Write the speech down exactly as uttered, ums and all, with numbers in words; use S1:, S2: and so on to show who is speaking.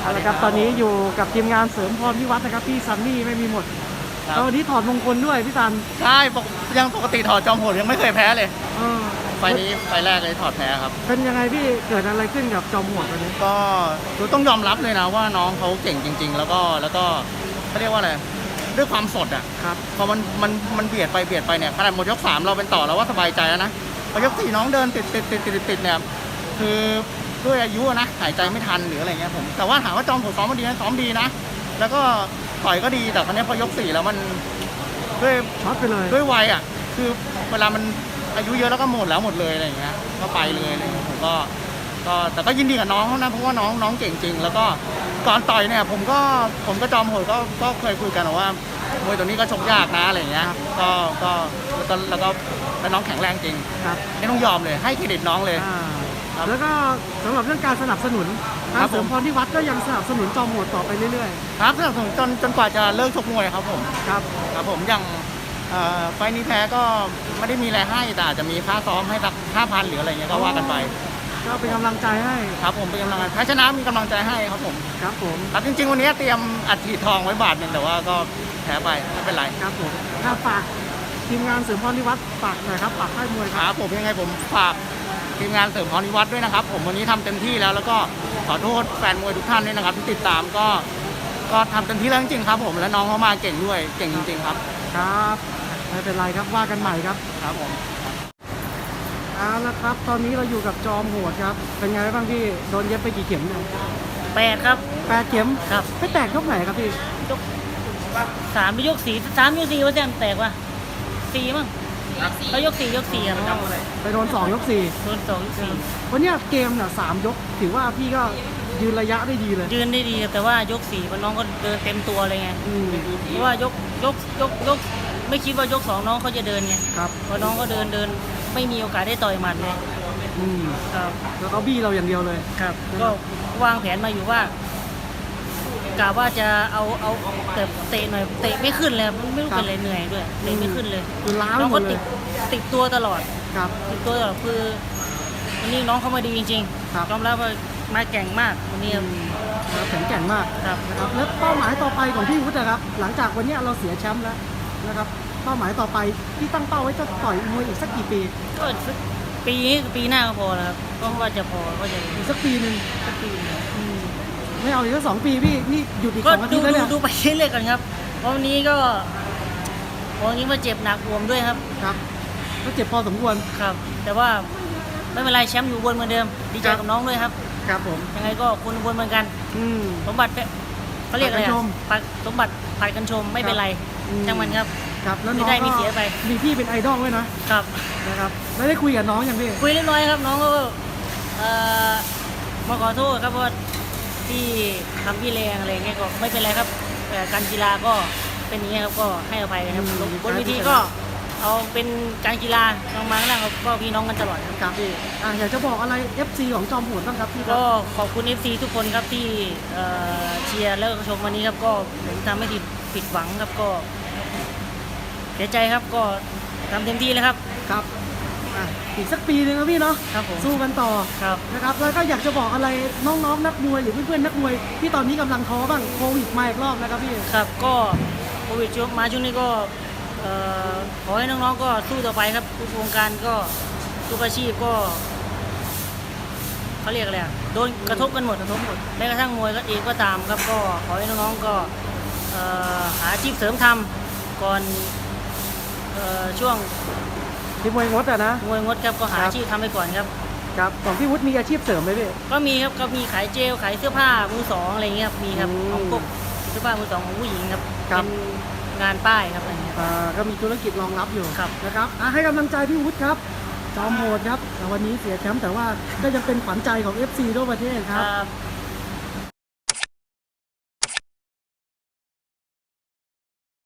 S1: เอาละครับตอนนี้อยู่กับทีมงานเสริมพรพิวัฒน์นะครับพี่ซันนี่ไม่มีหมดแล้ววันนี้ถอดมงคลด้วยพี่ซัน
S2: ใช่ปกยังปกติถอดจอมโหดยังไม่เคยแพ้เลย
S1: เออ
S2: ไฟนี้ไฟแรกเลยถอดแพ้ครับ
S1: เป็นยังไงพี่เกิดอะไรขึ้นกับจอมโหดวันนี้
S2: ก็ต้องยอมรับเลยนะว่าน้องเขาเก่งจริง ๆ แล้วก็แล้วก็เขาเรียกว่าอะไรด้วยความสดอ่ะ
S1: ครับ
S2: พอมันมันมันเบียดไปเบียดไปเนี่ยขนาดหมดยกสามเราเป็นต่อเราว่าสบายใจแล้วนะพอยกสี่น้องเดินติดติดติดติดติดเนี่ยคือด้วยอายุนะหายใจไม่ทันหรืออะไรเงี้ยผมแต่ว่าถามว่าจอมโหดซ้อมมาดีนะซ้อมดีนะแล้วก็ต่อยก็ดีแต่ครั้งนี้พอยกสี่แล้วมันด้วย
S1: ช็อตไปเลย
S2: ด้วยวัยอ่ะคือเวลามันอายุเยอะแล้วก็หมดแล้วหมดเลยอะไรอย่างเงี้ยก็ไปเลยอะไรเงี้ยผมก็ก็แต่ก็ยินดีกับน้องเขานะเพราะว่าน้องน้องเก่งจริงแล้วก็ก่อนต่อยเนี่ยผมก็ผมก็จอมโหดก็ก็เคยคุยกันว่ามวยตัวนี้ก็ชกยากนะอะไรอย่างเงี้ยก็ก็แล้วก็แล้วก็แล้วน้องแข็งแรงจริง
S1: ครับ
S2: ไม่ต้องยอมเลยให้เครดิตน้องเลย
S1: แล้วก็สำหรับเรื่องการสนับสนุนทางเสริมพรพิวัฒน์ก็ยังสนับสนุนจอมโหดต่อไปเรื่อย
S2: ๆครับสนับสนุนจนจนกว่าจะเลิกชกมวยครับผม
S1: ครับ
S2: ครับผมอย่างไฟนี้แพ้ก็ไม่ได้มีอะไรให้แต่อาจจะมีค่าซ้อมให้สักห้าพันหรืออะไรเงี้ยก็ว่ากันไป
S1: ก็เป็นกำลังใจให้
S2: ครับผมเป็นกำลังใจแพ้ชนะมีกำลังใจให้ครับผม
S1: ครับผม
S2: ครับจริงๆวันนี้เตรียมอัดฉีดทองไว้บาทหนึ่งแต่ว่าก็แพ้ไปไม่เป็นไร
S1: ครับผมถ้าฝากทีมงานเสริมพรพิวัฒน์ฝากหน่อยครับฝากค่ายมวย
S2: ครับผมยังไงผมฝากทีมงานเสริมพรพิวัฒน์ด้วยนะครับผมวันนี้ทำเต็มที่แล้วแล้วก็ขอโทษแฟนมวยทุกท่านด้วยนะครับที่ติดตามก็ก็ทำเต็มที่แล้วจริงๆครับผมและน้องเขามาเก่งด้วยเก่งจริงๆครับ
S1: ครับไม่เป็นไรครับว่ากันใหม่ครับ
S2: ครับผม
S1: เอาละครับตอนนี้เราอยู่กับจอมโหดครับเป็นไงบ้างพี่โดนเย็บไปกี่เข็มเนี่ย
S3: แปดครับ
S1: แปดเข็ม
S3: ครับ
S1: ไม่แตกยกไหนครับพี่
S3: ยกสามไปยกสี่สามยกสี่ว่าแจมแตกวะสี่มั้งเขายกสี่ยกสี่อะน้อง
S1: ไปโดนสองยกสี่
S3: โดนสองยกสี่
S1: วันนี้เกมเนี่ยสามยกถือว่าพี่ก็ยืนระยะได้ดีเลย
S3: ยืนได้ดีแต่ว่ายกสี่มันน้องก็เดินเต็มตัวเลยไงเพราะว่ายกยกยกยกไม่คิดว่ายกสองน้องเขาจะเดินไง
S1: ครับ
S3: เพราะน้องก็เดินเดินไม่มีโอกาสได้ต่อยหมัดเลย
S1: อืม
S3: ครับ
S1: แล้วก็บี้เราอย่างเดียวเลย
S3: ครับก็วางแผนมาอยู่ว่ากะว่าจะเอาเอาแต่เตะหน่อยเตะไม่ขึ้นเลยมันไม่รู้เป็นอะไรเหนื่อยด้วยเตะไม่ขึ้นเลย
S1: คือล้า
S3: น้องก็
S1: ติด
S3: ติดตัวตลอด
S1: ครับ
S3: ติดตัวตลอดคือวันนี้น้องเขามาดีจริงๆยอมรับว่ามาแก่งมากวันนี้
S1: แข็งแกร่งมาก
S3: ครับ
S1: นะครับแล้วเป้าหมายต่อไปของพี่วุฒินะครับหลังจากวันนี้เราเสียแชมป์แล้วนะครับเป้าหมายต่อไปที่ตั้งเป้าไว้จะต่อยมวยอีกสักกี่ปี
S3: ก็สักปีนี้ปีหน้าก็พอแล้วครับก็ว่าจะพอก็จะ
S1: อีกสักปีหนึ่ง
S3: สักปี
S1: ไม่เอาอีกสักสองปีพี่นี่หยุดอีกสองอาทิตย์แล้วเนี่ย
S3: ดูไปเรื่อยๆกันครับวันนี้ก็วันนี้มาเจ็บหนักรวมด้วยครับ
S1: ครับก็เจ็บพอสมควร
S3: ครับแต่ว่าไม่เป็นไรแชมป์อยู่บนเหมือนเดิมดีใจกับน้องด้วยครับ
S1: ครับผม
S3: ยังไงก็คุณบนเหมือนกันสมบัติเขาเรียกอะไรสมบัติผัดกันชมไม่เป็นไรจังมันครับ
S1: ครับแล้ว
S3: น้องได้มีเสียไป
S1: มีพี่เป็นไอดอลด้วยนะครับนะครับไม่ได้คุยกับน้องอย่างพี่
S3: คุยเรียบร้อยครับน้องก็มาขอโทษครับว่าที่ทำพี่แรงอะไรเงี้ยก็ไม่เป็นไรครับแต่การกีฬาก็เป็นอย่างนี้ครับก็ให้อภัยครับบนเวทีก็เอาเป็นการกีฬาน้องมาแล้วก็พี่น้องกันตลอด
S1: ครับพี่อยากจะบอกอะไร เอฟ ซี ของจอมโหดบ้างครับพี่
S3: ก็ขอบคุณ เอฟ ซี ทุกคนครับที่เชียร์แล้วก็ชมวันนี้ครับก็ผมทำให้ผิดหวังครับก็เสียใจครับก็ทำเต็มที่เลยครับ
S1: ครับอีกสักปีนึงนะพี่เนาะสู้กันต่อนะครับแล้วก็อยากจะบอกอะไรน้องๆนักมวยหรือเพื่อนๆนักมวยที่ตอนนี้กำลังท้อบ้างโควิดมาอีกรอบนะครับพี่
S3: ครับก็โควิดมาช่วงนี้ก็ขอให้น้องๆก็สู้ต่อไปครับทุกวงการก็ทุกอาชีพก็เขาเรียกอะไรโดนกระทบกันหมดกระทบหมดแม้กระทั่งมวยก็เองก็ตามครับก็ขอให้น้องๆก็หาอาชีพเสริมทำก่อนช่วง
S1: ที่มวยงดอะนะ
S3: มวยงดครับก็หาอาชีพทำไปก่อนครับ
S1: ครับของพี่วุฒิมีอาชีพเสริมไหมพี่
S3: ก็มีครับก็มีขายเจลขายเสื้อผ้ามือสองอะไรเงี้ยครับมีครับของพวกเสื้อผ้ามือสองของผู้หญิงครับเป็นงานป้ายครับอะไรเงี้ย
S1: ก็มีธุรกิจรองรับอยู่
S3: ครับ
S1: นะครับให้กำลังใจพี่วุฒิครับจอมโหดครับวันนี้เสียแชมป์แต่ว่าก็ยังเป็นขวัญใจของ เอฟ ซี ทั่วประเทศครับ